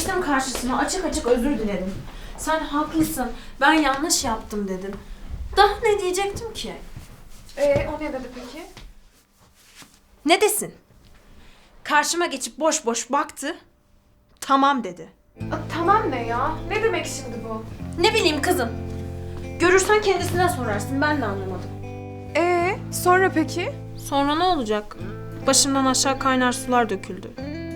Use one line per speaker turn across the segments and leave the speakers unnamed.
Geçtim karşısına, açık açık özür diledim. Sen haklısın, ben yanlış yaptım dedim. Daha ne diyecektim ki?
O ne dedi peki?
Ne desin? Karşıma geçip boş boş baktı. Tamam dedi.
Tamam ne ya? Ne demek şimdi bu?
Ne bileyim kızım. Görürsen kendisine sorarsın, ben de anlamadım.
Sonra peki?
Sonra ne olacak? Başımdan aşağı kaynar sular döküldü.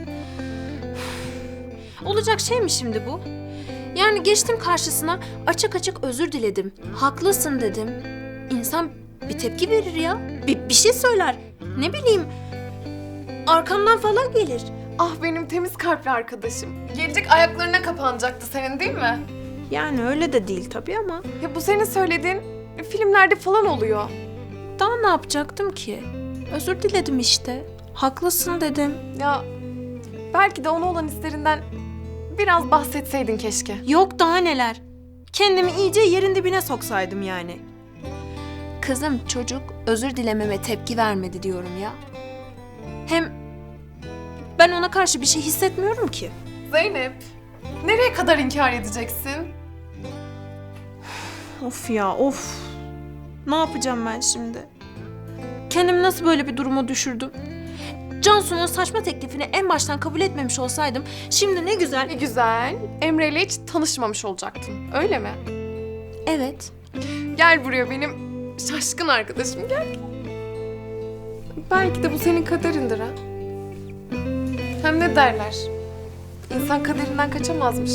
Olacak şey mi şimdi bu? Yani geçtim karşısına, açık açık özür diledim. Haklısın dedim. İnsan bir tepki verir ya. Bir şey söyler. Ne bileyim. Arkamdan falan gelir.
Ah benim temiz kalpli arkadaşım. Gelecek ayaklarına kapanacaktı senin değil mi?
Yani öyle de değil tabii ama.
Ya bu senin söylediğin filmlerde falan oluyor.
Daha ne yapacaktım ki? Özür diledim işte. Haklısın dedim.
Ya belki de ona olan hislerinden biraz bahsetseydin keşke.
Yok daha neler. Kendimi iyice yerin dibine soksaydım yani. Kızım çocuk özür dilememe tepki vermedi diyorum ya. Hem ben ona karşı bir şey hissetmiyorum ki.
Zeynep, nereye kadar inkar edeceksin?
Of ya of. Ne yapacağım ben şimdi? Kendimi nasıl böyle bir duruma düşürdüm? Cansu'nun saçma teklifini en baştan kabul etmemiş olsaydım şimdi ne güzel...
Ne güzel, Emre ile hiç tanışmamış olacaktın, öyle mi?
Evet.
Gel buraya benim şaşkın arkadaşım, gel. Belki de bu senin kaderindir ha. Hem ne derler? İnsan kaderinden kaçamazmış.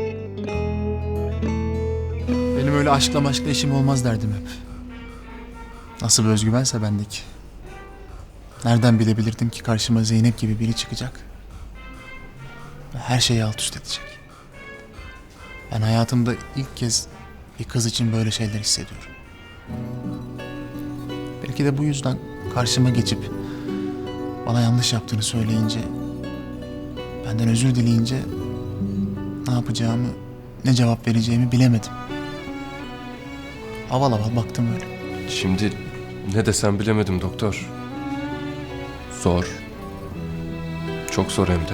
Benim öyle aşkla işim olmaz derdim hep. Nasıl bir özgüvense bendeki. Nereden bilebilirdim ki karşıma Zeynep gibi biri çıkacak. Ve her şeyi alt üst edecek. Ben hayatımda ilk kez bir kız için böyle şeyler hissediyorum. Belki de bu yüzden karşıma geçip bana yanlış yaptığını söyleyince, benden özür dileyince ne yapacağımı, ne cevap vereceğimi bilemedim. Aval aval baktım öyle.
Şimdi ne desem bilemedim doktor. Zor. Çok zor hem de.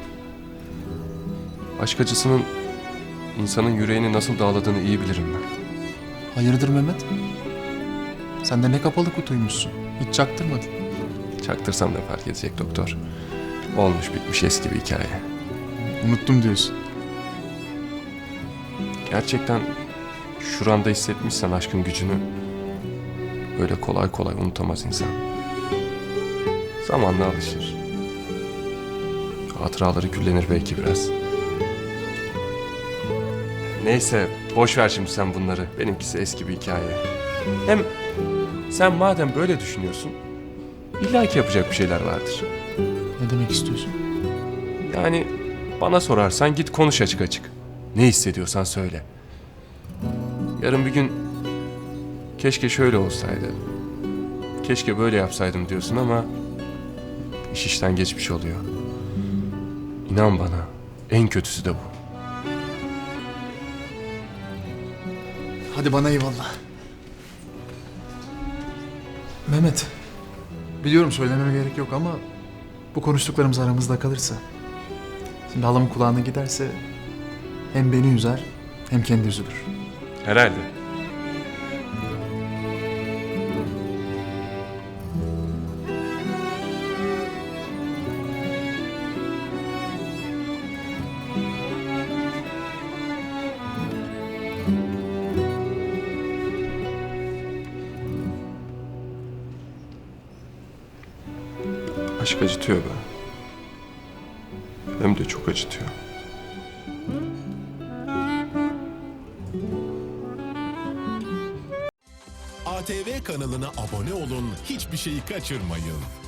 Aşk acısının insanın yüreğini nasıl dağladığını iyi bilirim ben.
Hayırdır Mehmet? Sen de ne kapalı kutuymuşsun. Hiç çaktırmadın.
Çaktırsam ne fark edecek doktor? Olmuş bitmiş eski bir hikaye.
Unuttum diyorsun.
Gerçekten şuranda hissetmişsen aşkın gücünü öyle kolay kolay unutamaz insan. Zamanla alışır. Hatıraları küllenir belki biraz. Neyse boş ver şimdi sen bunları. Benimkisi eski bir hikaye. Hem sen madem böyle düşünüyorsun illa ki yapacak bir şeyler vardır.
Ne demek istiyorsun?
Yani bana sorarsan git konuş açık açık. Ne hissediyorsan söyle. Yarın bir gün keşke şöyle olsaydı, keşke böyle yapsaydım diyorsun ama iş işten geçmiş oluyor. İnan bana en kötüsü de bu.
Hadi bana eyvallah. Mehmet, biliyorum söylememe gerek yok ama bu konuştuklarımız aramızda kalırsa, şimdi halamın kulağına giderse hem beni üzer hem kendi üzülür.
Herhalde. Aşk acıtıyor be. Hem de çok acıtıyor.
ATV kanalına abone olun, hiçbir şeyi kaçırmayın.